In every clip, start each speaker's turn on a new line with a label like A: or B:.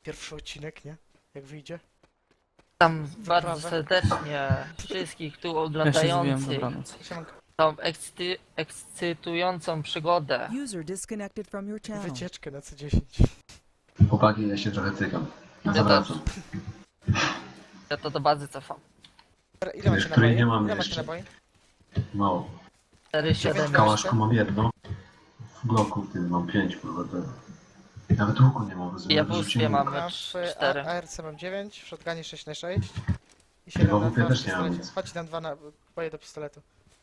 A: Pierwszy odcinek, nie? Jak wyjdzie.
B: Tam bardzo
A: Wyprawę.
B: serdecznie wszystkich tu
C: Ja się zwijam,
B: oglądających
C: dobranoc.
A: Siemanko.
B: tą ekscytującą przygodę.
D: User disconnected from your channel.
A: Wycieczkę na C10.
E: Chłopaki, ja się trochę cykam. Ja
B: Ja
E: zawracam.
B: Ja to do bazy cofam.
A: Dobra, ile macie
E: której
A: naboi?
E: nie mam
A: Ile macie
E: jeszcze.
A: naboi?
E: Mało.
B: 4,
E: W
B: 7,
E: kałaszku mam jedno. W bloku tym mam 5, kurwa. Nawet łuku nie mam, rozumiem.
B: Ja w ustwie mam
A: Ja w
B: 4.
A: ARC mam 9, w shotgunie 6 na 6 i
E: Chyba
A: 7 na
E: w ufie
A: 2 w
E: też nie mam
A: pistolecie.
E: nic.
A: Chodź tam 2 naboje do pistoletu.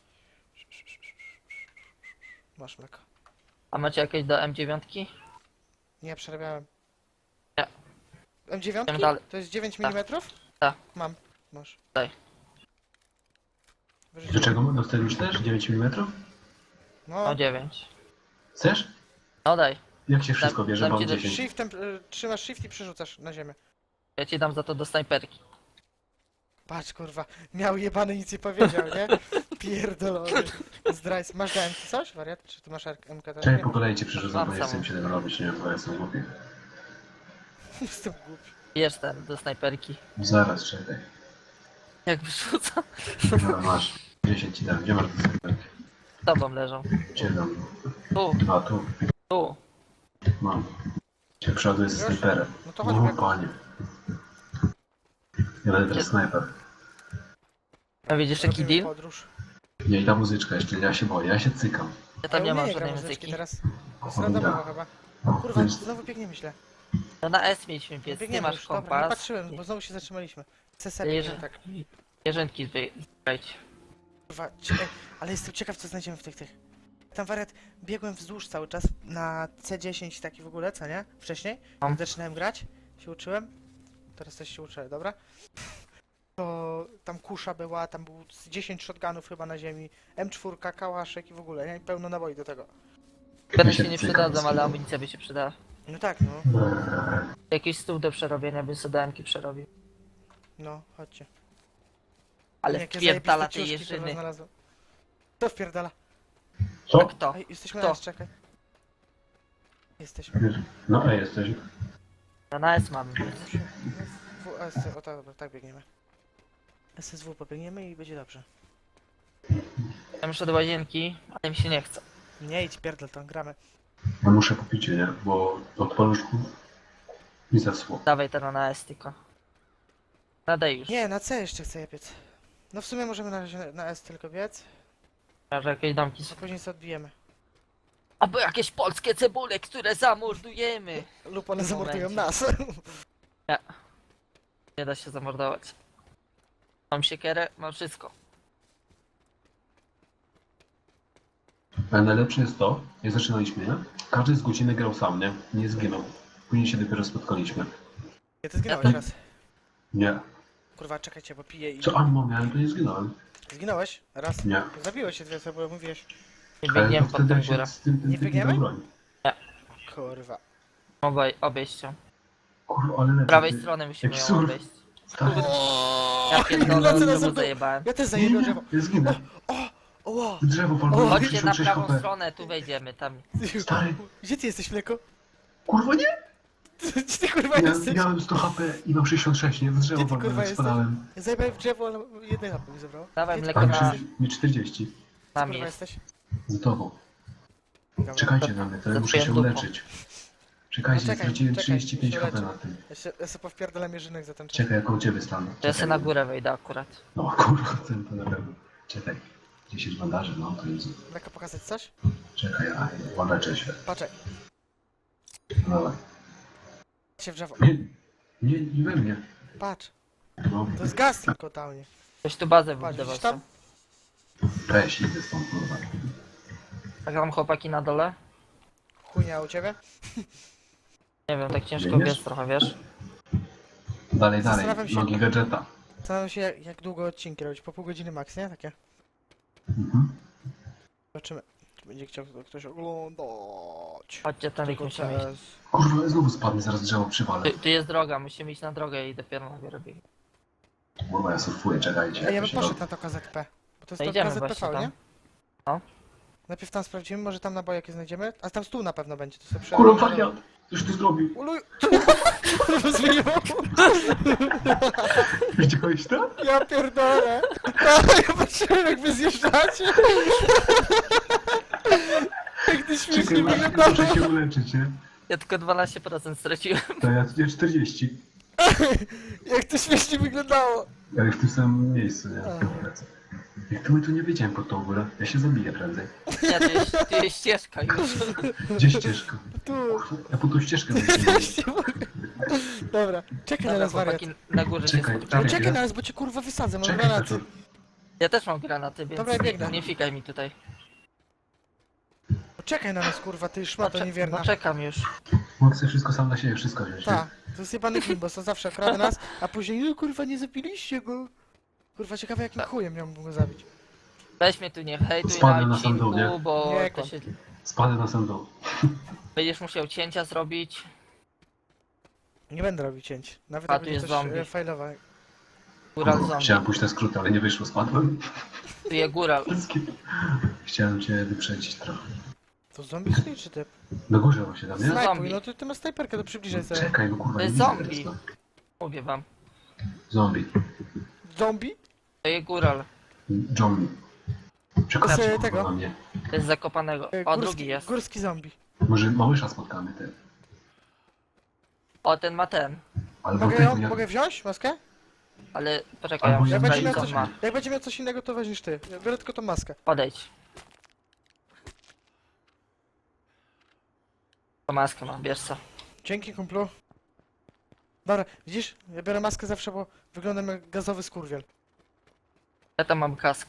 A: Masz mleko.
B: A macie jakieś do M9?
A: Nie, przerabiałem.
B: Nie.
A: M9?
B: Idziemy dalej.
A: To jest 9
B: Tak.
A: mm?
B: Tak.
A: Mam. Masz.
B: Daj.
E: Do
A: Wyrzuciłem.
E: czego? Do wtedy też? 9 mm?
A: No,
B: No 9.
E: Chcesz?
B: No daj.
E: Jak się wszystko bierze?
B: dam
E: Mam
B: ci do
E: 10.
A: shiftem, trzymasz shift i przerzucasz na ziemię.
B: Ja ci dam za to do snajperki.
A: Patrz kurwa, miał jebany nic nie powiedział, nie? Pierdolony. Zdrajc. Masz do MK coś, wariat? Czy ty masz MK też?
E: Czekaj,
A: Nie.
E: po kolei cię przerzucam,
B: Mam
E: bo nie chcę
B: samą.
E: mi się tego robić, nie wiem, bo ja jestem głupi.
A: Jestem głupi.
B: Bierz ten do snajperki.
E: Zaraz, czekaj.
B: Jak wyrzucam,
E: Dobra, masz. 10 ci dam. Gdzie masz dyskretki?
B: z tobą leżą.
E: Gdzie dam?
B: Tu,
E: A, tu.
B: tu.
E: Mam. Cię przoduję z snajperem.
A: No to chodź,
E: O,
A: biegł.
E: panie. Ja będę teraz snajper.
B: A widzisz jaki
A: Robimy
B: deal?
A: podróż.
E: Nie, i ta muzyczka jeszcze, ja się boję, ja się cykam.
B: Ja tam nie mam
A: umiem
B: żadnej
A: grać
B: muzyki.
A: teraz. To jest
E: Cholera.
A: randomowo chyba. Kurwa, znowu biegniemy źle.
B: No na S mieliśmy pies, nie
A: Biegniemy
B: masz
A: już, dobra, nie
B: kompas.
A: patrzyłem, bo znowu się zatrzymaliśmy. CSE
B: Jeże-
A: biegniemy, tak.
B: Jeżynki zbierajcie.
A: Kurwa, ale jestem ciekaw co znajdziemy w tych. Tam wariat, biegłem wzdłuż cały czas na C10 taki w ogóle, co nie? Wcześniej,
B: Mam.
A: jak zaczynałem grać, się uczyłem. Teraz też się uczę, dobra? To tam kusza była, tam było z 10 shotgunów chyba na ziemi, M4, kałaszek i w ogóle, nie? Pełno naboi do tego.
B: Pewnie
E: się
B: się nie
E: cykam,
B: przydadzą, ale
E: cykam.
B: amunicja by się przydała.
A: No tak, no.
B: Jakiś stół do przerobienia bym sobie DM-ki przerobił.
A: No, chodźcie.
B: Ale
A: Jakie
B: wpierdala
A: zajebiste
B: tej
A: ciuszki, kurwa,
B: jeżyny.
A: znalazłem. Kto wpierdala?
E: Co?
B: A kto?
A: Ej, jesteśmy
B: Kto?
A: na S, czekaj. Jesteśmy.
E: No, jesteś.
B: No na S mamy.
A: WS, o tak, dobra, tak biegniemy. SSW pobiegniemy i będzie dobrze.
B: Ja muszę do łazienki, ale mi się nie chce.
A: Nie idź, pierdol, to gramy.
E: Ja muszę popić, nie? Bo od paluszków mi zasło.
B: Dawaj teraz na S tylko. Nadaj już.
A: Nie, na C jeszcze chcę je piec. No w sumie możemy na razie na S tylko biec,
B: Może jakieś domki
A: a
B: są.
A: później sobie odbijemy.
B: Albo jakieś polskie cebule, które zamordujemy.
A: Lub one
B: W tym
A: zamordują
B: momencie.
A: nas.
B: Nie da się zamordować. Mam siekierę, mam wszystko.
E: Ale najlepsze jest to, jak zaczynaliśmy, nie? Każdy z godziny grał sam, nie? Nie zginął. Później się dopiero spotkaliśmy.
A: Ja ty zginąłeś
B: Ja
A: raz.
E: Nie.
A: Kurwa, czekajcie, bo piję i...
E: Co ammo miałem, to nie zginąłem.
A: Zginąłeś? Raz?
E: Nie.
A: Zabiłeś się dwie osoby, bo mówiłeś.
B: Nie
E: Ale
B: biegniemy
E: to
B: pod
E: wtedy
B: tą
E: się
B: górę.
E: z tym
A: Nie
E: typem
A: biegniemy?
E: do broni.
A: Kurwa.
B: Obejść ją.
E: Kurwa, ale lecę.
B: Z prawej
E: ty.
B: strony musimy
E: Jaki
B: ją
E: surf.
B: obejść.
E: Stary.
B: Ja
A: lecę
B: pierdolę,
A: na
B: znowu
A: zewnątrz.
B: zajebałem.
A: Ja też
E: Nie,
A: zajebię
E: nie,
A: drzewo.
E: ja zginę.
A: Oła!
E: Drzewo palmowe,
B: Chodźcie na
E: 66
B: prawą
E: HP.
B: stronę, tu wejdziemy, tam.
E: Stary.
A: Gdzie ty jesteś, mleko?
E: Kurwa, nie!
A: Gdzie ty kurwa
E: Ja
A: jesteś?
E: miałem 100 HP i mam 66, nie? W drzewo
A: Gdzie ty, kurwa,
E: palmowe
A: jesteś?
E: spadałem.
A: Ja zajebałem w drzewo, ale jednej hapy mi zabrało.
B: Dawaj
A: Gdzie ty,
B: mleko
A: kurwa,
B: na...
A: jesteś?
E: Mi 40.
B: Tam
A: Kurwa
B: jest.
A: jesteś?
E: Za tobą.
A: Dobra.
E: Czekajcie na mnie, to ja
B: Za
E: muszę się
B: twoją dupą.
E: uleczyć. Czekajcie,
A: No czekaj,
E: straciłem
A: czekaj,
E: 35
A: się
E: HP
A: uleczę.
E: na tym.
A: Ja sobie powpierdalam jeżynek za ten czas.
E: Czekaj, jak u ciebie stanę.
B: Ja sobie na górę wejdę akurat.
E: No kurwa, ten to na pewno. Czekaj. 10 bandaży, no to jest.
A: Mleko pokazać coś?
E: Czekaj, a uleczę się.
A: Patrzaj,
E: No dawaj.
A: się w drzewo.
E: Nie we mnie.
A: Patrz,
E: No,
A: to jest gaz tylko downie.
B: Ktoś tu bazę
A: Patrz,
B: wybudował.
A: widzisz tam?
E: weź, idę stąd, kurwa.
B: Tak tam chłopaki na dole?
A: Chujnia u ciebie?
B: Nie wiem, tak ciężko
E: Biegniesz?
B: biec trochę, wiesz?
E: Dalej,
A: Zastanawiam się-
E: nogi gadżeta.
A: Zastanawiam się jak długo odcinki robić, po pół godziny max, nie? Takie.
E: Mhm.
A: Zobaczymy. Czy będzie chciał ktoś oglądać.
B: Chodźcie, tam
A: Tylko
B: musimy iść.
A: teraz.
E: Kurwa, ja znowu spadnę, zaraz drzewo przywalę.
B: Tu jest droga, musimy iść na drogę i dopiero na górę biegnie.
E: Kurwa, ja surfuję, czekajcie.
A: Ej, ja
E: jak
A: bym
E: się
A: poszedł
E: robi.
A: na to KZP. Bo to jest
B: No
A: to
B: idziemy
A: KZPV,
B: właśnie
A: nie?
B: tam. No.
A: Najpierw tam sprawdzimy, może tam naboje jakie znajdziemy. A tam stół na pewno będzie, to sobie
E: Kurwa,
A: przerobię.
E: wariat! Coś tu zrobił.
A: Uluj! Rozwijał!
E: Widziałeś to?
A: Ja pierdolę! Ja patrzyłem jak wy zjeżdżacie! Jak ty śmiesznie
E: Czekaj, muszę
A: wyglądało!
E: się uleczyć, nie?
B: Ja tylko 12% straciłem.
E: To ja 40.
A: Jak to śmiesznie wyglądało!
E: Ale w tym samym miejscu, nie?
A: A.
E: Jak to my tu nie wyjdziemy pod tą górę? Ja się zabiję prędzej.
B: Nie, tu jest ścieżka już.
E: Gdzie ścieżka?
A: Tu!
E: Ja po tą ścieżkę wyjdę.
A: Właśnie mogę. Dobra, czekaj na
B: Dobra,
A: nas wariat.
B: chłopaki na górze się
E: Czekaj,
B: spotkamy.
E: czekaj.
A: Czekaj na nas, bo cię kurwa wysadzę, mam
E: Czekaj,
A: granaty.
E: Petur.
B: Ja też mam granaty, więc
A: Dobra, ja biegnę.
B: nie fikaj mi tutaj.
A: Czekaj na nas kurwa, ty szmato
B: No
A: niewierna.
B: czekam już.
E: Mogę sobie wszystko sam na siebie, wszystko wziąć.
A: Tak, to jest jebany gimbos, to zawsze okrada nas, a później no kurwa nie zabiliście go. Kurwa ciekawe jakim chujem miałbym go zabić.
B: Weź mnie tu nie hejtuj
E: Spadnę
B: na
E: na sam dół,
B: odcinku,
E: nie?
B: bo
A: Nie,
B: to
A: kłam.
B: się...
E: Spadę na sam dół.
B: Będziesz musiał cięcia zrobić.
A: Nie będę robił cięć. Nawet
B: A,
A: jak
B: tu
A: będzie
B: jest
A: coś
B: zombie.
A: fajlowe.
B: Góral
E: Chciałem
B: zombie.
E: pójść na skrót, ale nie wyszło, spadłem.
B: Tu jest góral.
E: Chciałem cię wyprzedzić trochę.
A: To zombie stoi czy typ?
E: Na górze właśnie tam, nie?
B: Snaj-
A: Snajpuj,
B: Zombie.
A: no ty masz snajperkę, to przybliżaj sobie.
E: Czekaj, no kurwa,
B: To
E: nie
B: jest
E: widzę
B: zombie.
E: teraz, no.
B: Mówię wam.
E: Zombie.
A: Zombie?
B: To jest góral.
E: Zombie. Przekazać
A: Z
E: kurwa
A: tego?
E: na mnie.
B: To jest zakopanego. O, drugi jest.
A: Górski zombie.
E: Może małysza spotkamy, ty.
B: O, ten ma ten.
E: Albo
A: Mogę,
E: tego,
A: mogę wziąć maskę?
B: Ale poczekaj, ja
E: Albo
B: muszę
E: ja
A: Jak będzie,
B: sprawdzić
A: miał
B: co
A: coś,
B: on ma.
A: jak będzie miał coś innego, to weźmiesz ty. Ja biorę tylko tą maskę.
B: Podejdź. To maskę mam, bierz co.
A: Dzięki kumplu. Dobra, widzisz? Ja biorę maskę zawsze, bo wyglądam jak gazowy skurwiel.
B: Ja tam mam kask.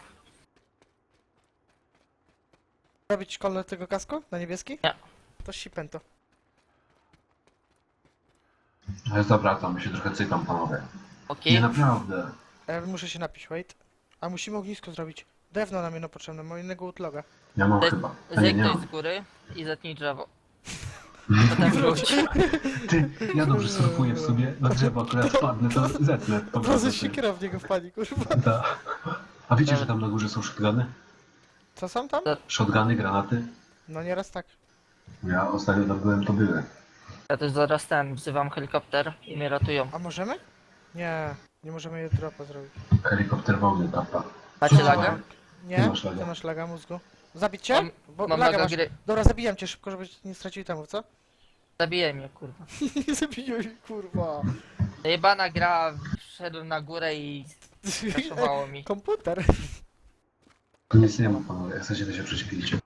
A: Robić kolor tego kasku na niebieski?
B: Nie.
A: To sipęto.
E: Ale dobra, tam się trochę cykam, panowie.
B: Okej?
E: Nie, naprawdę.
A: Ja muszę się napić, wait. A musimy ognisko zrobić. Drewno nam jedno potrzebne, mam innego utloga.
E: Ja mam
B: Ze-
E: chyba. A nie, nie
B: Zejdź
E: mam.
B: z góry i zetnij drzewo. Potem wróć.
E: Ty, ja dobrze surfuję w sobie, na drzewo akurat spadnę, to zetnę. Po
A: Od
E: prostu,
A: razu
E: ty.
A: się kierownik go wpadli, kurwa.
E: Ta. A wiecie, że tam na górze są shotguny?
A: Co są tam?
E: Shotguny, granaty?
A: No nieraz tak.
E: Ja ostatnio tam byłem, to były.
B: Ja też zaraz ten, wzywam helikopter i mnie ratują.
A: A możemy? Nie, nie możemy je dropa zrobić.
E: Helikopter wodny, tapa.
B: Macie laga?
A: Nie?
E: Ty masz laga.
A: Ty masz laga mózgu. Zabić cię?
B: Mam-
A: Bo
B: Mam
A: laga
B: laga
A: masz.
B: gry.
A: Dobra, zabijam cię szybko, żeby nie stracili temu, co?
B: Zabijaj mnie, kurwa.
A: Nie zabiję mnie, kurwa.
B: Jebana gra, wszedłem na górę i zaszowało mi.
A: Komputer.
E: Tu nic nie ma, panowie, jak chcecie, to się prześpijcie.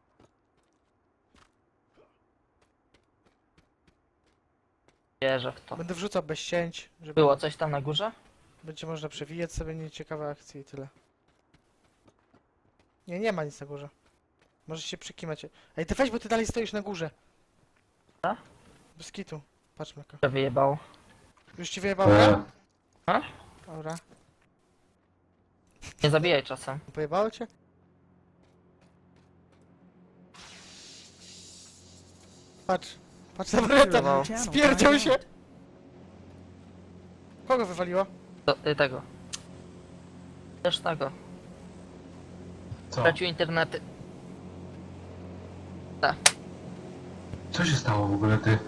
B: Wierzę w to.
A: Będę wrzucał bez cięć, żeby
B: Było coś tam na górze?
A: będzie można przewijać sobie nieciekawe akcje i tyle. Nie, nie ma nic na górze. Możesz się przykimać. Ej, ty weź, bo ty dalej stoisz na górze.
B: A?
A: Bez kitu. Patrz, Meko.
B: To wyjebało.
A: Już ci wyjebało?
B: A?
A: Dobra.
B: Nie zabijaj czasem.
A: Pojebało cię? Patrz. Patrz na
B: Wyjebało.
A: Barreta. Spierdział się. Kogo wywaliło?
B: Tego. Lesznego.
E: Co?
B: Stracił internety.
E: Co się stało w ogóle, ty?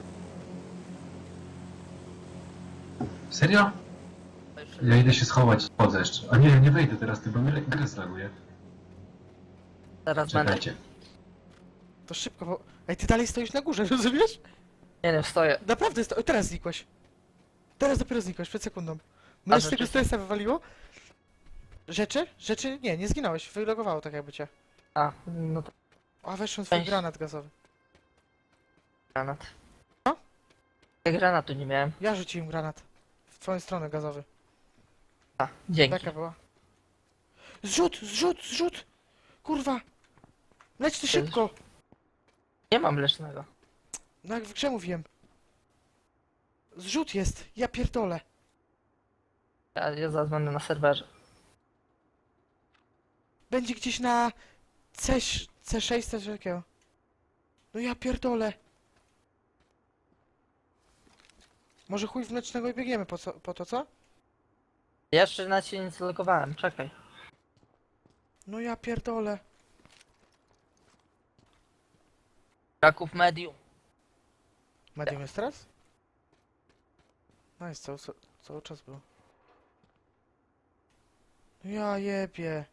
E: Serio? Ja idę się schować, chodzę jeszcze. A nie, nie wejdę teraz, ty, bo mnie grę zlaguje.
B: Zaraz będę.
E: Czekajcie.
A: To szybko, bo... Ej, ty dalej stoisz na górze, rozumiesz?
B: Nie, stoję.
A: Naprawdę, teraz znikłeś. Teraz dopiero znikłeś, przed sekundą. Mnie z tego
B: rzeczy?
A: stresa wywaliło. Rzeczy? Rzeczy? Nie, nie zginąłeś. Wylogowało tak jakby cię.
B: A, no to
A: A, weszłem swój
B: Weź.
A: granat gazowy.
B: granat.
A: Co?
B: Ja granatu nie miałem.
A: Ja rzuciłem granat. W twoją stronę gazowy.
B: A, dzięki.
A: Taka była. Zrzut, zrzut, zrzut! Kurwa! Leć ty szybko!
B: Nie mam lecznego.
A: No jak w grze mówiłem. Zrzut jest, ja pierdolę.
B: Ja zaraz będę na serwerze.
A: Będzie gdzieś na C6 coś takiego. No ja pierdolę. Może chuj w mlecznego i biegniemy po to, co?
B: Ja jeszcze na ciebie nie zalogowałem, czekaj.
A: No ja pierdolę.
B: Kraków Medium.
A: Medium jest teraz? Nice, cały czas był. Ja jebie.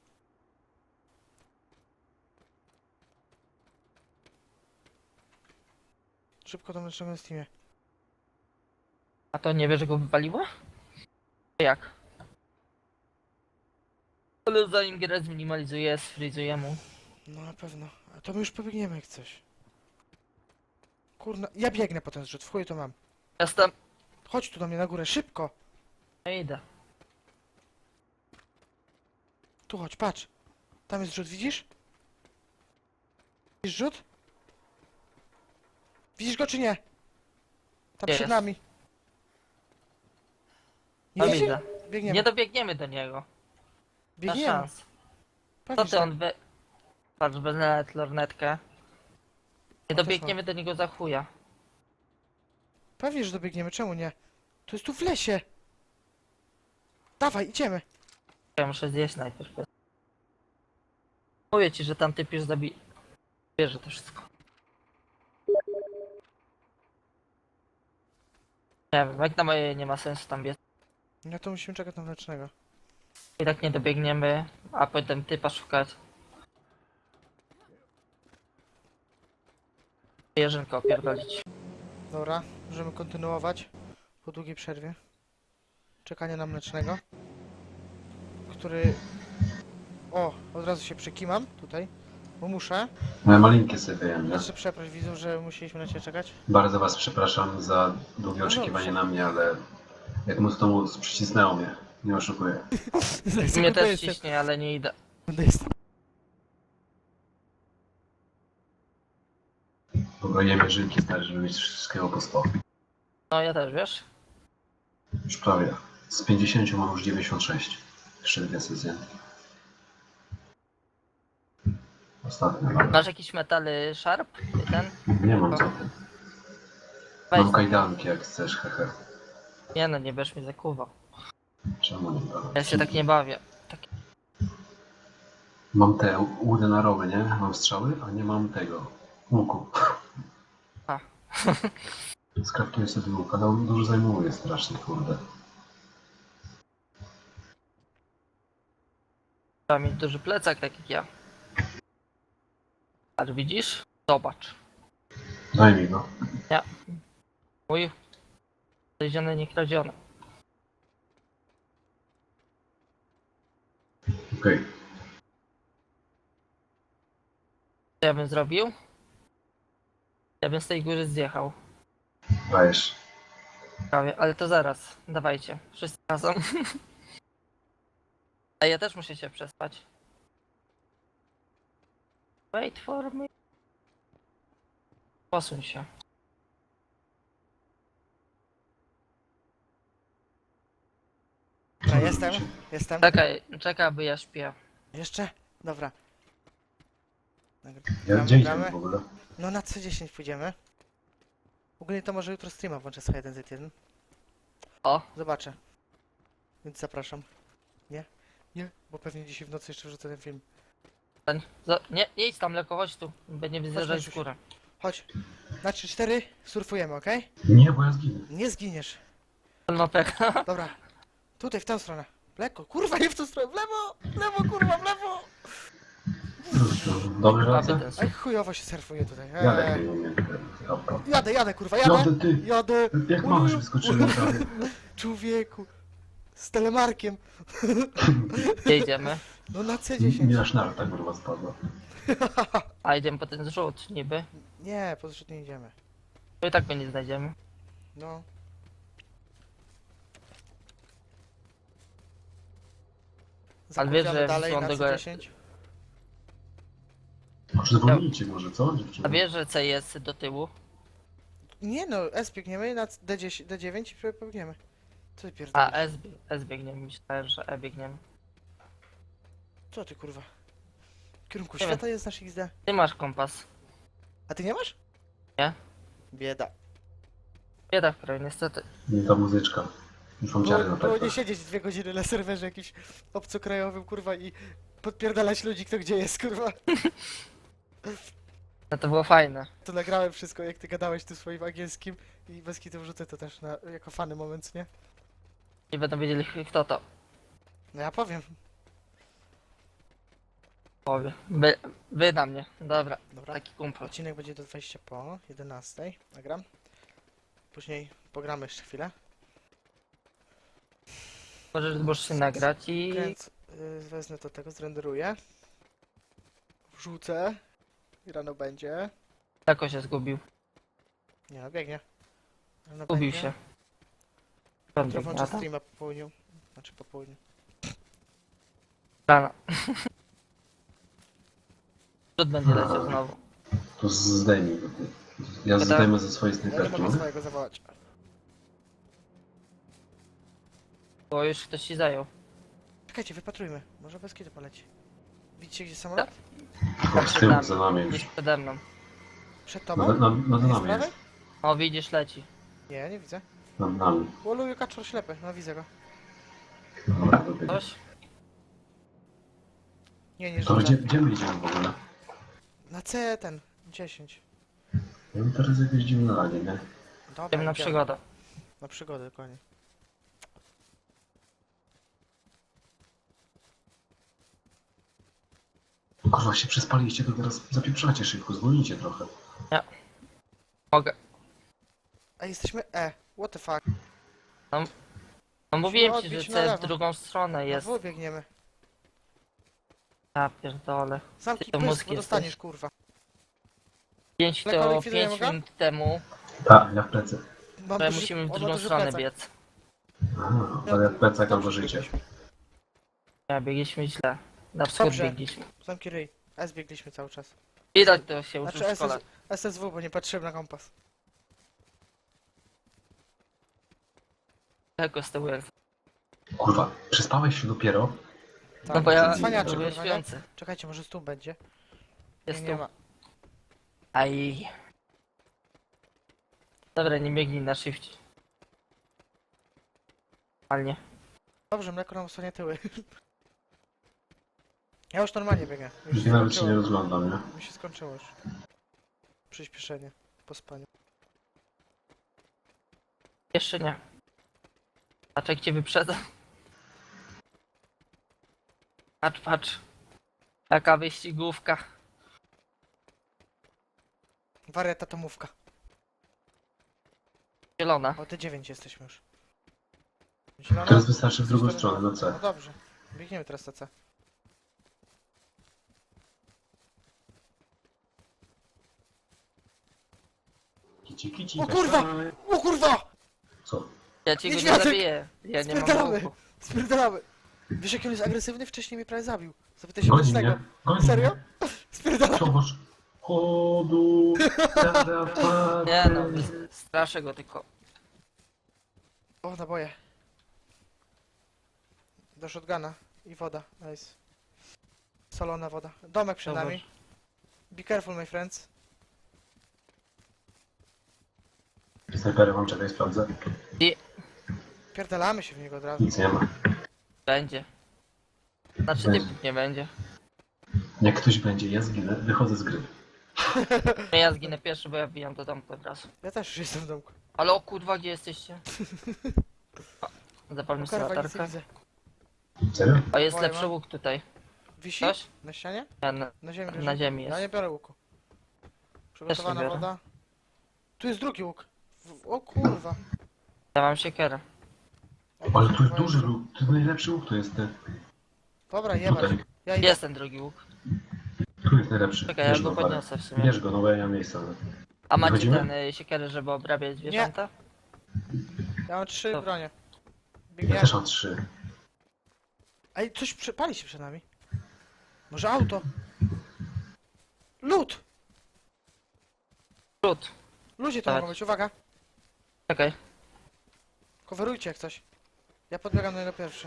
A: Szybko do mlecznego na Steamie.
B: A to nie wiesz, że go wypaliło? Jak? Ale zanim grę zminimalizuję, sfrizuję mu.
A: No na pewno. A to my już pobiegniemy jak coś. Kurna, ja biegnę po ten zrzut, w chuj to mam.
B: Jestem.
A: Chodź tu do mnie na górę, szybko!
B: No idę.
A: Tu chodź, patrz. Tam jest rzut, widzisz? Widzisz rzut? Widzisz go czy nie? Tam
B: Gdzie
A: przed
B: jest?
A: nami. Nie
B: No
A: widzisz?
B: widzę.
A: Biegniemy.
B: Nie dobiegniemy do niego. Na
A: Biegniemy.
B: szans.
A: Pewnie,
B: Co
A: że
B: ty
A: tak.
B: on wy... Patrz, bez nawet lornetkę. Nie
A: O, też
B: dobiegniemy do niego za chuja.
A: Pewnie, że dobiegniemy, czemu nie? To jest tu w lesie. Dawaj, idziemy.
B: Ja muszę zjeść najpierw. Mówię ci, że tam typ już bierze to wszystko. Nie wiem, jak na moje nie ma sensu tam biec.
A: No to musimy czekać na mlecznego.
B: I tak nie dobiegniemy, a potem typa szukać. Jerzynko opierdolić.
A: Dobra, możemy kontynuować po długiej przerwie. Czekanie na mlecznego. Który... O, od razu się przekimam tutaj, bo muszę.
E: Moje malinkie sobie wyjem, nie?
A: Jeszcze przeproś widzów, że musieliśmy na ciebie czekać.
E: Bardzo was przepraszam za długie
A: No
E: oczekiwanie
A: dobrze.
E: na mnie, ale jak móc to móc, przycisnęło mnie. Nie oszukuję.
B: Mnie też ciśnie, ale nie idę.
E: Dobra, jem jeżynki stary, żeby mieć wszystkiego po 100.
B: No ja też, wiesz?
E: Już prawie. Z 50 mam już 96. Jeszcze dwie sesje. Ostatnia, dobra.
B: Masz jakiś metally sharp? Ten?
E: Nie mam co ty.
B: Weź.
E: Mam kajdanki jak chcesz, hehe.
B: Nie no, nie będziesz mi zakuwał.
E: Czemu nie dobra?
B: Ja się tak nie bawię. Tak...
E: Mam te łudy na rowy, nie? Mam strzały, a nie mam tego. Łuku.
B: A.
E: Skraftuję sobie łuk, ale on dużo zajmuje strasznie, kurde.
B: Trzeba mieć duży plecak, tak jak ja. Ale widzisz? Zobacz.
E: Daj mi go.
B: Mój znaleziony, nie kradziony.
E: Okej.
B: Co ja bym zrobił? Ja bym z tej góry zjechał.
E: Dajesz.
B: Prawie, ale to zaraz. Dawajcie. Wszyscy razem. A ja też muszę się przespać. Wait for me. Posuń się.
A: Dobra, jestem.
B: Czekaj, aby ja śpię.
A: Jeszcze? Dobra.
E: Ja gdzie idziemy w ogóle?
A: No na C10 pójdziemy. Ogólnie to może jutro streama włączę z H1Z1.
B: O.
A: Zobaczę. Więc zapraszam. Nie? Nie? Bo pewnie dzisiaj w nocy jeszcze wrzucę ten film.
B: Nie idź tam, lekko chodź tu. Będziemy zjeżdżać w
A: Maciuś.
B: górę.
A: Chodź. Na 3-4 surfujemy, okej?
E: Nie, bo ja zginę.
A: Nie zginiesz.
B: On ma pecha.
A: Dobra. Tutaj, w tę stronę. Lekko. Kurwa, nie w tą stronę. W lewo! W lewo, kurwa, w lewo!
E: Dobry
B: Prawie
E: rację?
B: ten
A: Aj,
B: słuch.
A: chujowo się surfuje tutaj.
E: Jadę nie umiem.
A: Jadę, kurwa,
E: Jadę ty!
A: Jadę.
E: Jak masz wyskoczyłem prawie.
A: Człowieku. Z telemarkiem.
B: Gdzie idziemy?
A: No na
E: Mi
A: C10.
E: aż narta kurwa spadła.
B: A idziemy po ten zrzut niby.
A: Nie, po zrzut nie idziemy.
B: To i tak go nie znajdziemy.
A: No.
B: Ale wiesz,
A: Zakupiamy
B: że
A: dalej
B: wysłałem
A: na
B: do góry.
A: C10.
E: Może zwolnijcie może, co dziewczyny?
B: A wiesz, że C jest do tyłu?
A: Nie no, S biegniemy na D10, D9 i pobiegniemy. Co ty
B: A
A: pierdolisz?
B: S biegniemy. Myślałem, że E biegniemy.
A: Co ty kurwa? W kierunku
B: Nie
A: świata jest nasz XD.
B: Ty masz kompas.
A: A ty nie masz?
B: Nie.
A: Bieda.
B: Bieda w kraju, niestety.
E: Nie ta muzyczka. Już mam ciary na
A: Było nie
E: plecach.
A: siedzieć 2 godziny na serwerze jakimś obcokrajowym kurwa i podpierdalać ludzi kto gdzie jest kurwa.
B: No to było fajne.
A: To nagrałem wszystko, jak ty gadałeś tu swoim angielskim i bez kitu wrzucę to też jako fany moment, nie?
B: Nie będą wiedzieli kto to
A: No ja powiem.
B: powie. Wy na mnie. Dobra,
A: Dobra.
B: taki kumpel.
A: Odcinek będzie do 20 po 11. Nagram. Później pogramy jeszcze chwilę.
B: Możesz się nagrać i...
A: Kręc, wezmę to tego, zrenderuję. Wrzucę. I rano będzie.
B: Tako się zgubił.
A: Nie no, biegnie. Rano
B: Zgubił
A: będzie.
B: się.
A: Jutro włączę streama po południu. Znaczy po południu.
B: Rana. Rzut będzie leciał znowu.
E: To zdejmij go. Ja
B: To
E: zdejmę ze swojej
A: Ja nie
E: snajperki,
A: mogę
E: mogę?
A: swojego zawołać.
B: Bo już ktoś ci zajął.
A: Czekajcie, wypatrujmy. Może bez kiedy poleci. Widzicie gdzie samolot?
E: O, z tyłu, za nami
B: Gdzieś
E: już.
B: przede mną.
A: Przed
E: Nad
A: tobą?
E: nami
A: Nie z
E: jest.
A: prawej?
B: O, widzisz, leci.
A: Nie, nie widzę.
E: Nad nami.
A: Łoluju kaczor ślepy, no widzę go.
E: Dobra, dobiegł.
B: Coś?
A: Nie, nie
E: To
A: rzucę.
E: gdzie my idziemy w ogóle?
A: Na C ten, 10.
E: Ja mam teraz jakieś dziwne lanie, nie?
A: Dobra,
B: Idziemy na
A: idziemy.
B: przygodę.
A: Na przygodę, dokładnie.
E: Kurwa, się przespaliście, to teraz zapieprzacie szybko, zwolnijcie trochę.
B: Mogę.
A: A jesteśmy E. What the fuck?
B: No mówiłem ci,
A: odbić
B: że
A: na
B: C w
A: lewo.
B: drugą stronę jest.
A: Na W biegniemy.
B: Ja pierdolę.
A: Zamknij
B: to
A: pysk,
B: mózg
A: bo
B: jesteś.
A: dostaniesz, kurwa.
B: 5
A: Lekko
B: to
A: likwidujemy
B: 5
A: go?
B: minut temu,
E: Tak, ja w plecy.
A: Mam
B: że
A: duży-
B: musimy w
A: on ma
B: drugą
A: duży
B: stronę
A: plecak.
B: biec.
E: Aha, ale ja w plecach mam
A: Dobrze
E: życie.
A: biegliśmy.
B: Ja biegliśmy źle. Na wschód
A: Dobrze.
B: biegliśmy.
A: Zamknij ryj. S biegliśmy cały czas.
B: Widać to się uczył
A: Znaczy
B: w szkole.
A: SSW, bo nie patrzyłem na kompas.
B: Tego z tyłu jest.
E: Kurwa, przespałeś się dopiero?
A: Tak,
B: No bo ja
A: cwaniacze,
B: byłem
A: kurwa, nie?
B: śpiący.
A: Czekajcie, może tu będzie.
B: Jest
A: nie
B: tu.
A: ma.
B: Aj. Dobra, nie biegnij na shifcie. Normalnie.
A: Dobrze, mleko nam osłania tyły. Ja już normalnie biegę. Już
E: Już
A: się
E: nawet się nie
A: skończyło.
E: rozglądam, nie?
A: Mi się skończyło już. Przyspieszenie. Po spaniu.
B: Jeszcze nie. Patrz jak cię wyprzedza. Patrz, patrz. Taka wyścigówka.
A: Wariata tomówka.
B: Zielona.
A: O, T9 jesteśmy już. Zielona?
E: Teraz wystarczy w drugą
A: Cztery-
E: stronę, na
A: No
E: C.
A: dobrze. Biegniemy teraz na C.
E: Kici, kici,
A: O kurwa!
E: kasztany.
A: O kurwa!
E: Co?
B: Ja ci go nie
A: Niedźwiadek!
B: zabiję. Ja nie mam
A: Spierdalamy!
B: łuku.
A: Spierdalamy! Wiesz jak on jest agresywny? Wcześniej mnie prawie zabił. Zapytaj się
E: Goni
A: Mocnego.
E: mnie, goni
A: Serio?
E: mnie.
A: Spierdalamy!
E: Zobacz. Chodu,
B: Nie no, straszę go tylko.
A: O, naboje. Do shotguna. I woda. Nice. Solona woda. Domek przed
B: Dobra.
A: nami. Be careful, my friends.
E: Snajpery mam, czekaj, sprawdzę.
A: Pierdalamy się w niego od razu.
E: Nic nie ma.
B: Będzie. Znaczy
E: Będzie.
B: typów nie będzie.
E: Jak ktoś będzie, ja zginę, wychodzę z gry.
B: No ja zginę pierwszy, bo ja wbijam do domku od razu.
A: Ja też już jestem w domku.
B: Ale o kurwa, gdzie jesteście? Zapalmy sobie
A: Kurwa, nic nie
B: latarkę.
A: widzę.
E: Serio?
B: O, jest
A: Woje
B: lepszy
A: mam.
B: łuk tutaj.
A: Wisi?
B: Coś?
A: Na ścianie?
B: Ja na,
A: Na ziemi
B: na
A: leży.
B: ziemi
A: Ja
B: jest.
A: nie biorę łuku. Przygotowana
B: biorę.
A: woda. Tu jest drugi łuk. O kurwa.
B: Ja mam siekierę.
A: O,
E: Ale tu jest
A: kurwa,
E: duży luk, to jest najlepszy łuk, to jest ten.
A: Dobra, jebać.
E: Tutaj.
A: Ja idę.
B: Jest ten drugi łuk.
E: Tu jest najlepszy.
B: Czekaj, ja
E: Bierz
B: go
E: go, Parę.
B: podniosę w sumie.
E: Bierz go, no bo ja nie mam miejsca.
B: A macie
E: Wychodzimy?
B: ten siekierę, żeby obrabiać zwierzęta?
A: Ja mam 3
B: Dobra.
A: bronie.
E: Ja
A: Biegniemy.
E: też mam 3.
A: Ej, coś pali się przed nami. Może auto? Lód!
B: Rzut.
A: Ludzie to
B: Tak.
A: mogą być, uwaga.
B: Czekaj.
A: Coverujcie jak coś. Ja podbiegam do niego pierwszy.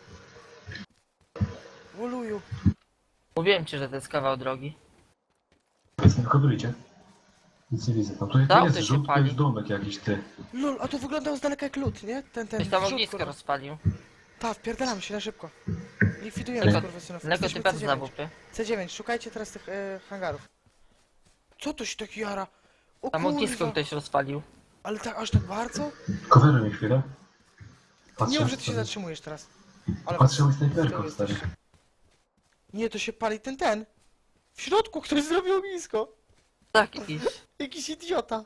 A: Woluju.
B: Mówiłem ci, że to jest kawał drogi.
E: Więc nie coverujcie. Nic nie widzę. No tu
B: To
E: jest
B: się
E: rzut, to
B: pali.
E: jest domek jakiś, ty.
A: Lol, a to wyglądał z daleka jak lód, nie? Ten
B: Ktoś tam
A: wrzut,
B: ognisko
A: kurwa.
B: rozpalił.
A: Ta, wpierdalamy się na szybko. Likwidujemy
B: Lego-
A: skurwysynów.
B: Lego
A: Jesteśmy
B: typa z
A: C9.
B: zawupy.
A: C9, szukajcie teraz tych hangarów. Co to się tak jara? O
B: Tam ognisko
A: kurwa.
B: ktoś rozpalił.
A: Ale tak, aż tak bardzo?
E: Coveruj mi chwilę.
A: Nie mów, że ty się zatrzymujesz teraz. Ale
E: Patrzę
A: was-
E: mi snajperką,
A: z tyłu
E: stary.
A: jesteście. Nie, to się pali ten. W środku ktoś zrobił ognisko.
B: Tak, jakiś.
A: Jakiś idiota.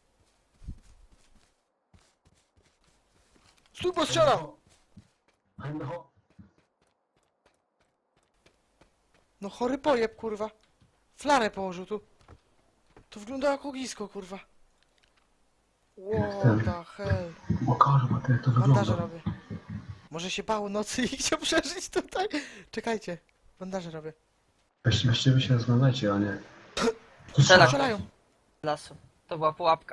A: Stój, bo strzelam! No chory pojeb, kurwa. Flarę położył tu. To wygląda jak ognisko, kurwa. What the hell.
E: O kurwa, ty, jak to
A: Bandaże
E: wygląda.
A: robię. Może się bał nocy i chciał przeżyć tutaj? Czekajcie. Bandaże robię.
E: Weźcie wy się rozglądajcie, a nie... Tu
B: Strzela.
A: Strzelają.
B: Z lasu. To była pułapka.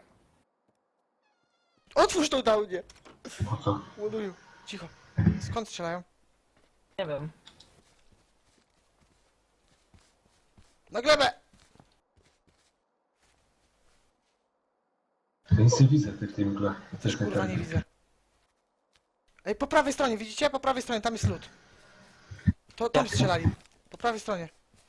A: Otwórz tą dałnię.
E: Po co?
A: Ładuję. Cicho. Skąd strzelają?
B: Nie wiem.
A: Na glebę!
E: Ja nic nie widzę ty w tej mgle.
A: Też kurwa nie widzę. Ej, po prawej stronie, widzicie? Po prawej stronie, tam jest lód. To tam strzelali. Po prawej stronie.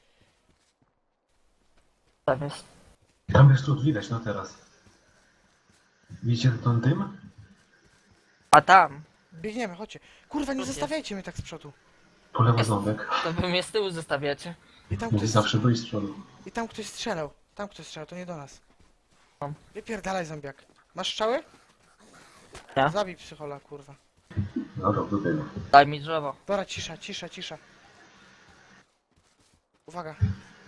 B: Tam jest.
E: Tam jest lód, widać, no teraz. Widzicie ten dym?
B: A tam.
A: Biegniemy, chodźcie. Kurwa, nie
B: Lód jest.
A: zostawiajcie mnie tak z przodu.
E: Po lewo ząbek.
B: To wy mnie z tyłu zostawiacie.
A: I tam
E: Mówi
A: ktoś,
E: zawsze byli z przodu.
A: i tam ktoś strzelał. Tam ktoś strzelał, to nie do nas.
B: Mam.
A: Wypierdalaj, zombiak. Masz strzały?
B: Ja.
A: Zabij psychola, kurwa.
E: Dobra, do tego.
B: Daj mi drzewo.
A: Dobra, cisza, cisza, cisza. Uwaga.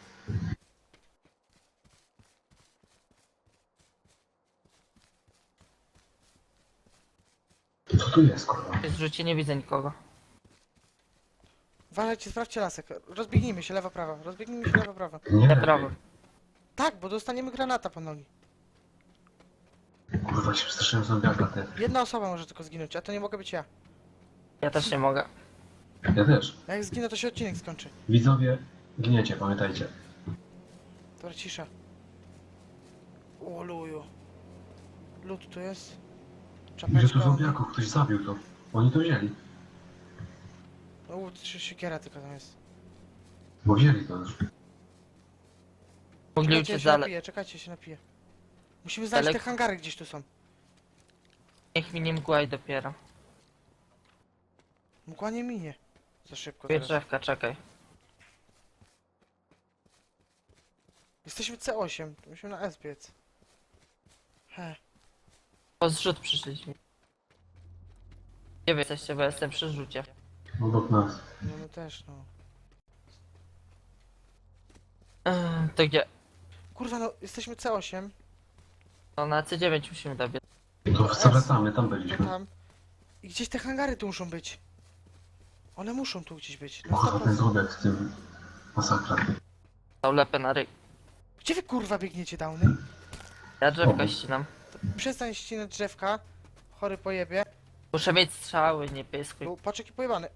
E: Co tu jest, kurwa?
B: W rzucie nie widzę nikogo.
A: Uważajcie, sprawdźcie lasek. Rozbiegnijmy się, lewa, prawa. Rozbiegnijmy się, lewa, prawa.
E: Nie,
B: Prawo.
A: Tak, bo dostaniemy granata po nogi.
E: Kurwa, się przestraszyłem zombiaka, ty.
A: Jedna osoba może tylko zginąć, a to nie mogę być ja.
B: Ja też nie mogę.
E: Ja też.
A: A jak zginę, to się odcinek skończy.
E: Widzowie, giniecie, pamiętajcie.
A: Dobra, cisza. O, luju. Lód tu jest.
E: Ile tu
A: Czapeczka.
E: zombiaków? Ktoś zabił to. Oni to wzięli.
A: O, trzy siekiera tylko tam jest.
E: Bo wzięli to już.
B: Mogli
A: Czekajcie, ja
B: uciec
A: się
B: dalej.
A: napiję, czekajcie, się napiję. Musimy znaleźć te
B: Daleko.
A: hangary gdzieś tu są.
B: Niech mi nie mgłaj dopiero.
A: Mgła nie minie. Za szybko
B: Dwie
A: teraz.
B: drzewka, czekaj.
A: Jesteśmy C8, to musimy na S biec. He.
B: Po zrzut przyszliśmy. Gdzie wy jesteście, bo ja jestem przy rzucie.
E: Obok nas.
A: No my też, no.
B: To gdzie?
A: Kurwa, no, jesteśmy C8.
B: No na C9 musimy dobiec.
E: To zawracamy, tam
A: To
E: byliśmy.
A: tam. I gdzieś te hangary tu muszą być. One muszą tu gdzieś być.
E: O
A: No
E: kurwa, ten
A: 100%.
E: zombiak z tym... Masakra.
B: Tą lepę na ryj.
A: Gdzie wy kurwa biegniecie, downy?
B: Ja drzewka
E: Obok.
B: ścinam.
A: Przestań ścinać drzewka. Chory pojebie.
B: Muszę mieć strzały, nie pyskuj.
A: Był patrz jaki pojebany.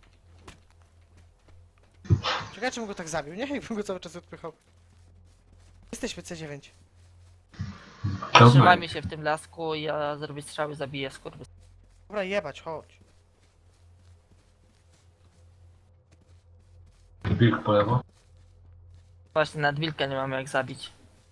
A: Czekajcie, bym go tak zabił, nie? Jakbym go cały czas odpychał. Jesteśmy C9.
B: Trzymajmy się w tym lasku i ja zrobię strzały, zabiję skurwy.
A: Dobra, jebać, chodź.
E: Wilk po lewo.
B: Właśnie nad wilka nie mamy jak zabić.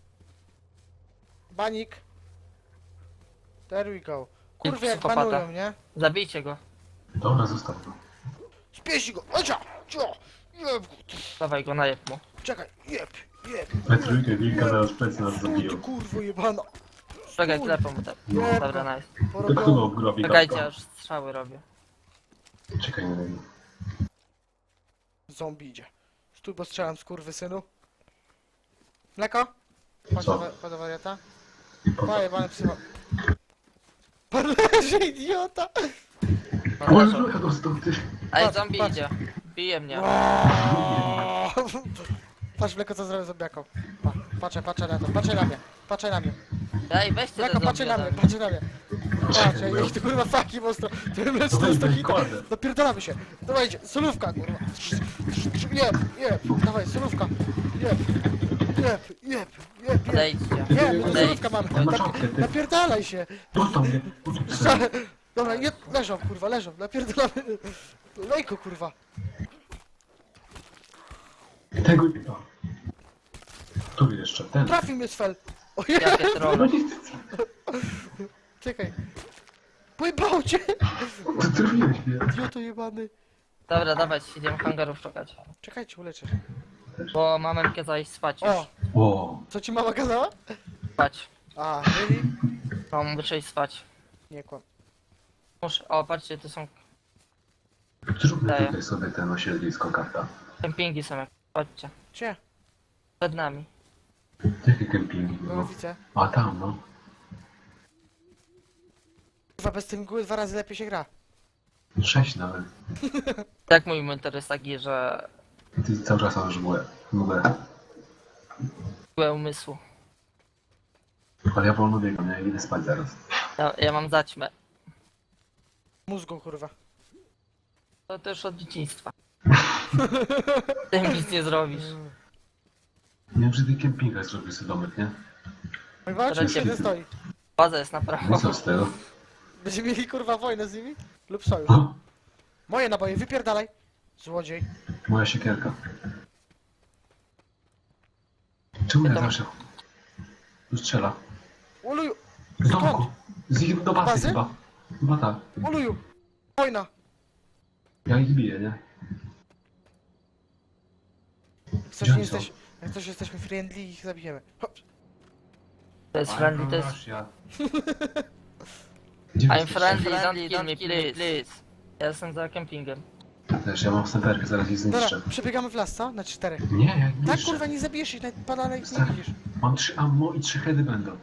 A: Banik. There we go. Kurwa jak
B: psychopata.
A: banują, nie?
B: Zabijcie go.
E: Dobra, zostaw go.
A: Spieści go! Ocia! Cio! Jeb go!
B: Dawaj go, najeb mu.
A: Czekaj, jeb!
E: We trójkę wilka zaraz plecy nas
A: Stój, ty
E: zabiją.
A: kurwo jebana!
B: Czekaj, klepę mu tak.
A: Jeb
B: Dobra,
A: go!
B: nice.
E: To kto
A: Porobiony.
E: obgrobi
B: Czekajcie,
E: kapka?
B: aż strzały robię.
E: Czekaj na niego.
A: Zombie idzie. Stój, bo strzelam, skurwysynu. Mleko? Chodź
E: Co?
A: do wariata.
E: Po co?
A: Pojebany psycho. Pan leży, idiota!
B: No,
E: O,
B: leżą.
E: Luka dostał, ty.
B: Ej,
A: Patrz,
B: zombie
A: patrz.
B: idzie. Bije mnie.
A: Waaaa! Patrz mleko co zrobię zombiaką. Patrzę na to, patrzę na mnie.
B: Ej, weźcie te
A: Mleko,
B: zombie.
A: patrzę na
B: ode
A: mnie,
B: mnie.
A: patrzę na mnie. Patrz, jak to kurwa faki mocno. To mleczko
E: No
A: jest to
E: weź,
A: hita.
E: kładę.
A: Dopierdolamy się. Dawajcie, solówka kurwa. Jeb. Dawaj, solówka. Jeb.
B: Odejdźcie.
A: Nie, my to
B: Odejdź.
A: solówka mamy.
E: Ja mam czapkę, ty.
A: Napierdalaj się.
E: Dostał mnie.
A: Dobra, leżą kurwa, napierdolamy. Lejko kurwa.
E: Tego... Który jeszcze? Ten.
A: Trafił mnie Svel! O
B: Jakie
E: No
B: trolle.
E: nie,
A: czekaj. Pojebał cię!
E: ty trafiłeś mnie.
A: Idioto jebany.
B: Dobra, dawać, idziemy hangarów szukać.
A: Czekajcie, uleczę.
B: Bo mamę kazała iść spać już.
A: O!
E: O,
A: Co ci mama kazała?
B: Spać.
A: A, really?
B: Mam muszę iść spać.
A: Nie kłam.
B: Muszę, o patrzcie, tu są
E: zróbmy
B: Daję.
E: tutaj sobie ten osiedlisko karta.
B: kempingi są jak. Chodźcie.
A: Gdzie?
B: Przed nami.
E: Jakie kempingi?
A: No
E: No.
A: widzę.
E: A tam, no.
A: Kurwa, bez tej mgły 2 razy lepiej się gra.
E: 6 nawet.
B: Tak mój mentor jest taki, że
E: Ty cały czas masz mgłę.
B: byłem umysłu.
E: Ale ja wolno biegam, ja idę spać zaraz.
B: Ja mam zaćmę.
A: Mózgu, kurwa.
B: To też od dzieciństwa. Tym nic nie zrobisz.
E: Nie wiem, czy ty kempingach zrobisz sobie domek, nie?
A: Mój walczy
B: Teraz
A: już jeden
E: się-
A: stoi.
B: Baza jest na prawo.
E: No co z tego?
A: Będziemy mieli kurwa wojnę z nimi? Lub sojusz.
E: O,
A: Moje naboje, wypierdalaj. Złodziej.
E: moja siekierka. Czemu ja
B: To-
E: zawsze... Tu strzela.
A: Uluju!
E: Z domku.
A: Skąd?
E: Do bazy
A: Bazy?
E: chyba. Chyba tak.
A: Uluju! Wojna!
E: Ja ich biję, nie?
A: Jak coś,
E: Gdzie
A: nie
E: oni są?
A: jesteś, jak coś jesteśmy friendly i ich zabijemy. Hop.
B: To jest friendly, to jest...
E: Ja. Gdzie wy
B: I'm
E: jesteście?
B: friendly, don't kill me, please. Ja jestem za kempingiem.
E: Też, ja mam snajperkę, zaraz ich zniszczę.
A: Dobra, przebiegamy w las, co? Na 4.
E: Nie, ja ich
A: Tak
E: niszczę.
A: kurwa nie zabijesz ich, nawet banana ich nie
E: Stary.
A: widzisz.
E: Mam 3 ammo i 3 heady będą.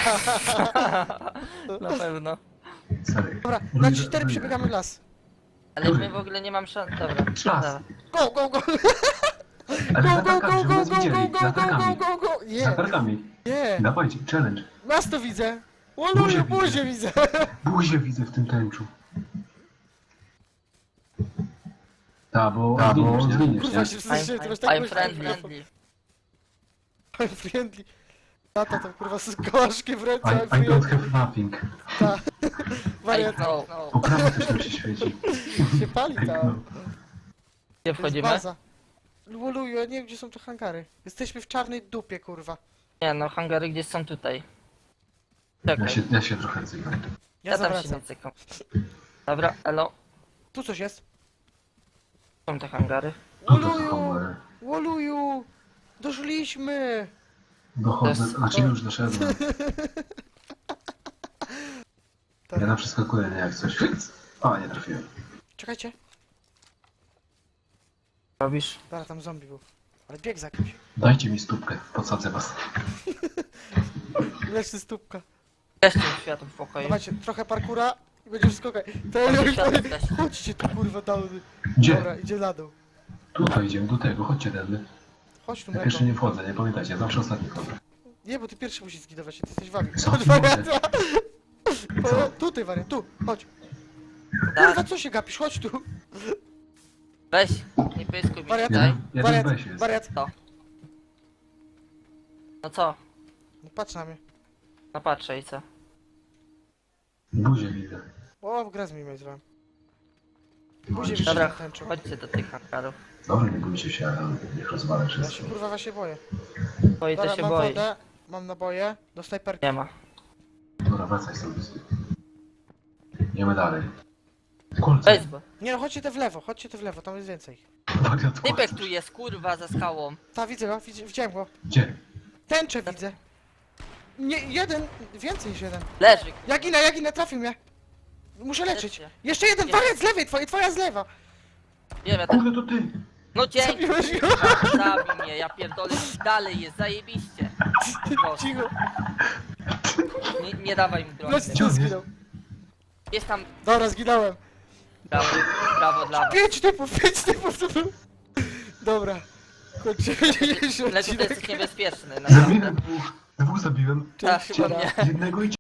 B: Na pewno.
E: Stary.
A: Dobra, na 4 przebiegamy w las.
B: Ale my w ogóle nie mam szans. Dobra.
E: Czas.
B: Dobra.
A: Go, go, go!
E: Ale
A: Go,
E: za
A: go,
E: tarkami,
A: go,
E: żeby
A: go,
E: nas
A: go,
E: widzieli.
A: go,
E: Za
A: go, go,
E: tarkami.
A: go, go!
E: Za
A: Nie,
E: tarkami.
A: nie!
E: Dawajcie, challenge.
A: Nas to widzę!
E: Buzię
A: Oluju,
E: widzę.
A: buzię widzę!
E: Buzię widzę w tym tęczu. Ta, bo zginiesz,
A: Kurwa
E: nie?
A: się wstydziłem, ty masz tak
B: I'm
A: głośno
B: friendly.
A: mikrofon. I'm friendly. Tata tam kurwa z kołaszkiem w ręce, I'm
E: I don't
A: friendly.
E: have mapping.
A: Ta.
B: I
A: Wariat
B: know.
E: Po prawo coś tam się świeci.
A: się pali tam.
E: No.
B: Gdzie
A: To jest
B: wchodzimy?
A: baza. Oluju, ja nie wiem gdzie są te hangary. Jesteśmy w czarnej dupie kurwa.
B: Nie no, hangary gdzieś są tutaj.
E: Ja
B: Czekaj,
E: ja się trochę cykam.
B: ja tam się
A: zawracam.
B: nie cykam. Dobra, elo.
A: Tu coś jest.
B: Są te hangary.
E: Tu to
A: Oluju,
E: są...
A: Oluju. Doszliśmy.
E: Dochodzę,
B: To jest-
E: znaczy już doszedłem. Ja
A: Dobra.
E: tam przeskakuję, nie jak coś. A, nie trafiłem.
A: Czekajcie.
B: Robisz?
A: Dobra, tam zombie był. Ale bieg za kimś.
E: Dajcie mi stópkę, podsadzę was.
A: Leży stópka.
B: Gaście światło w pokoju.
A: Dawajcie, trochę parkura i będzie wszystko okej. To
B: Tam
A: ja
B: się światło zgasi.
A: Chodźcie tu kurwa downy.
E: Gdzie?
A: Dobra, idzie na dół.
E: Tutaj idziemy, do tego, chodźcie tędy.
A: Chodź tu
E: Ja
A: mleko.
E: pierwszy nie wchodzę, nie pamiętajcie, ja zawsze ostatni wchodzę.
A: Nie, bo ty pierwszy musisz zgidować, ty jesteś wami.
E: Co?
A: Chodź wariata.
E: Co?
A: Tutaj wariat, tu, chodź.
B: Tak,
A: Kurwa, co się gapisz, chodź tu.
B: weź, nie pyskuj mi
A: Wariat.
B: tutaj.
E: Jeden
A: Wariat,
E: weź jest.
A: wariat.
B: No co?
A: No patrz na mnie.
B: No patrzę i co?
E: Buzię widzę.
A: O, grę z mi zrobiłem.
E: No,
A: Buzię
E: i-
A: widzę.
B: Dobra,
A: tęczą.
B: chodźcie do tych hangarów.
E: Dobra, nie bójcie się, ale niech rozwalę
A: Ja
E: wszystko.
A: się kurwa właśnie boję.
B: Boi to
A: Dobra,
B: się
A: mam
B: boi.
A: wodę, mam naboje, do snajperki.
B: Nie ma.
E: Dobra, wracaj sobie. Idziemy dalej. Kolce.
B: Weź bo.
A: Nie no, chodźcie te w lewo, tam jest więcej.
E: Wariat
B: Typek
E: kolce.
B: tu jest, kurwa, za skałą.
A: Ta, widzę go, widziałem go.
E: Gdzie?
A: Tęczę widzę. Nie, jeden, więcej niż jeden.
B: Leży, kurwa.
A: Ja ginę, trafił mnie. Muszę leczyć.
B: Leczy.
A: Jeszcze jeden,
B: Jest.
A: wariat z lewej, twoja z lewa.
B: Wiem, ja tak...
E: Kurde, to ty!
B: No dzięki,
A: Zabiłeś go.
B: zabij mnie, ja pierdolę. Dalej jest, zajebiście. Proszę.
A: Cicho.
B: Nie dawaj mi broni.
A: No,
E: Gdzie
A: co
E: on jest?
A: zginął?
B: Jest tam...
A: Dobra, zginąłem.
B: Brawo dla was.
A: 5 typów to był. Dobra. Kończymy dzisiejszy
B: Lego to
A: odcinek.
B: jest niebezpieczny, naprawdę.
E: Zabiłem dwóch zabiłem.
B: Tak,
A: Cześć,
B: chyba
A: siema.
B: mnie.
E: Jednego i